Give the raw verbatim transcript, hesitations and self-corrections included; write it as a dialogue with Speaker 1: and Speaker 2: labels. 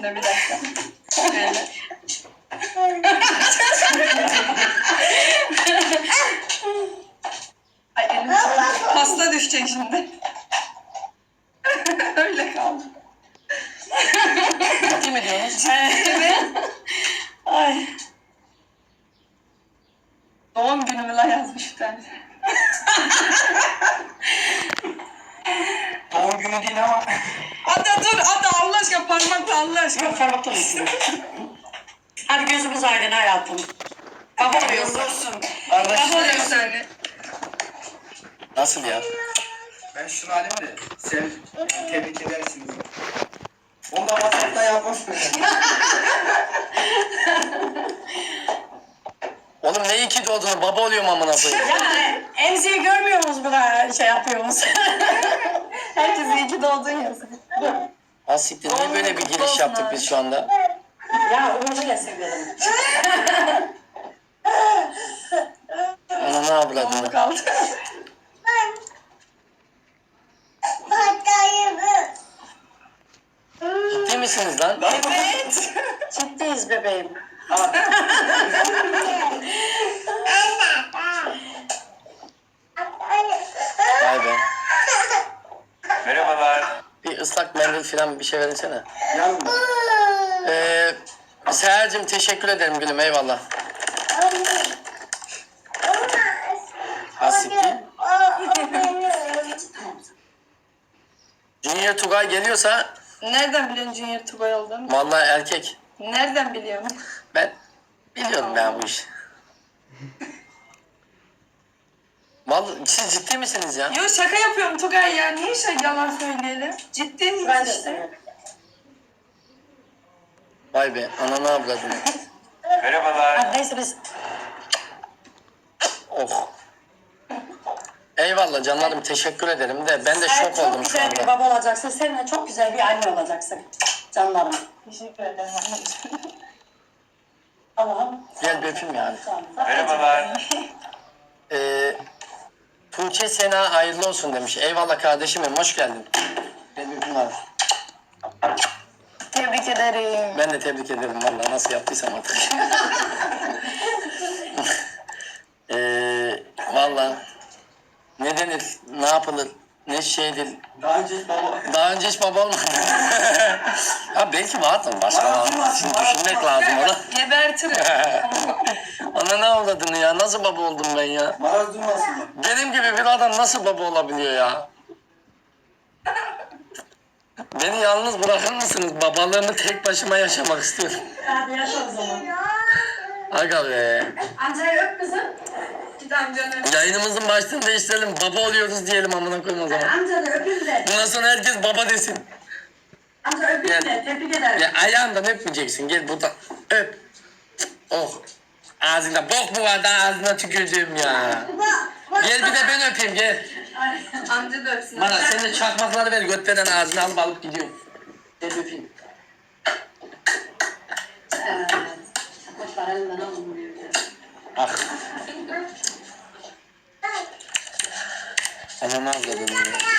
Speaker 1: de bir dakika. Şöyle. Ay elim çok... Pasta düşecek şimdi. Öyle kaldı.
Speaker 2: Ciddi mi diyorsunuz?
Speaker 1: Evet. Ay. Doğum günümü la yazmış bir tane.
Speaker 2: Doğum günü değil ama.
Speaker 1: Ada dur Ada Allah aşkına parmakla Allah aşkına.
Speaker 2: Yok parmakla mısın? Hadi gözümüz aydın hayatım. Baba oluyorsun.
Speaker 1: Olsun.
Speaker 2: Kardeş.
Speaker 1: Baba oluyor seni.
Speaker 2: Nasıl ya?
Speaker 3: Ben şunu alayım da sen tebrik edersiniz. Onu da WhatsApp'ta yapmasın.
Speaker 2: Oğlum ne iyi ki doğdun, baba oluyorum amına koyayım.
Speaker 4: Ya emziği görmüyor musunuz buna şey yapıyoruz?
Speaker 1: Herkes iyi ki doğdun yazın.
Speaker 2: Ha siktir, niye böyle bir giriş yaptık biz şu anda?
Speaker 4: Ya Uğur'u da seviyorum.
Speaker 2: Ana ne avradını?
Speaker 1: Kaldı.
Speaker 2: Ciddi misiniz lan?
Speaker 1: Evet.
Speaker 4: Ciddiyiz bebeğim.
Speaker 2: Vay be.
Speaker 3: Merhabalar.
Speaker 2: Bir ıslak mendil falan bir şey verinsene.
Speaker 3: Yalnız.
Speaker 2: Ee, Seher'cim teşekkür ederim gülüm, eyvallah. Ha siktir. Junior Tugay geliyorsa
Speaker 1: Nereden biliyorsun Junior Tugay olduğunu?
Speaker 2: vallahi erkek.
Speaker 1: Nereden biliyorsun?
Speaker 2: Ben biliyorum ben bu işi. Vallahi siz ciddi misiniz ya?
Speaker 1: Yo şaka yapıyorum Tugay ya. Niye şey yalan söyleyelim? Ciddi miyiz
Speaker 4: Ben de
Speaker 1: işte?
Speaker 4: seviyorum.
Speaker 2: Vay be, ananı avradını.
Speaker 3: Merhabalar.
Speaker 4: Hadi neyse biz
Speaker 2: Oh. Eyvallah canlarım, teşekkür ederim de ben de
Speaker 4: sen
Speaker 2: şok
Speaker 4: çok
Speaker 2: oldum şu
Speaker 4: güzel bir
Speaker 2: anda.
Speaker 4: baba olacaksın. Sen de çok güzel bir anne olacaksın. Canlarım.
Speaker 1: Teşekkür ederim anneciğim.
Speaker 4: Allah'ım.
Speaker 2: Gel bir öpeyim yani.
Speaker 3: Merhabalar.
Speaker 2: Ee, Tuğçe Sena hayırlı olsun demiş. Eyvallah kardeşimim, hoş geldin. Gel bir öpeyim abi.
Speaker 1: Tebrik ederim.
Speaker 2: Ben de tebrik ederim vallahi, nasıl yaptıysam artık. ee, vallahi ne denir, ne yapılır, ne şeydir.
Speaker 3: Daha önce hiç baba...
Speaker 2: Daha önce hiç baba olmadı. Ha belki vardır başka var. Şimdi düşünmek lazım ona.
Speaker 1: Gebertirim.
Speaker 2: Ana ne avladın ya? Nasıl baba oldum ben ya?
Speaker 3: Maraz durmasın mı?
Speaker 2: Benim gibi bir adam nasıl baba olabiliyor ya? Beni yalnız bırakır mısınız? Babalığımı tek başıma yaşamak istiyorum.
Speaker 4: Hadi yaşa o zaman.
Speaker 2: Aga be.
Speaker 4: Amcayı öp kızım.
Speaker 1: Git amcanı.
Speaker 2: Yayınımızın başlığını değiştirelim. Baba oluyoruz diyelim amına koyayım o zaman.
Speaker 4: Amca da öpeyim de.
Speaker 2: Bundan sonra herkes baba desin.
Speaker 4: Amca öpeyim de. Tebrik ederim.
Speaker 2: Ya ayağından öpmeyeceksin. Gel buradan öp. Oh. Ağzında bok mu var da ağzına tükürdüğüm ya. Gel bir de ben öpeyim gel.
Speaker 1: Amca da öpsün.
Speaker 2: Bana sen de çakmakları ver, götlerden ağzına alıp alıp gidiyorum. Gel öpeyim.
Speaker 4: Evet. Kuşlar elinden alınmıyor.
Speaker 2: Ah. Anam ağladım ya.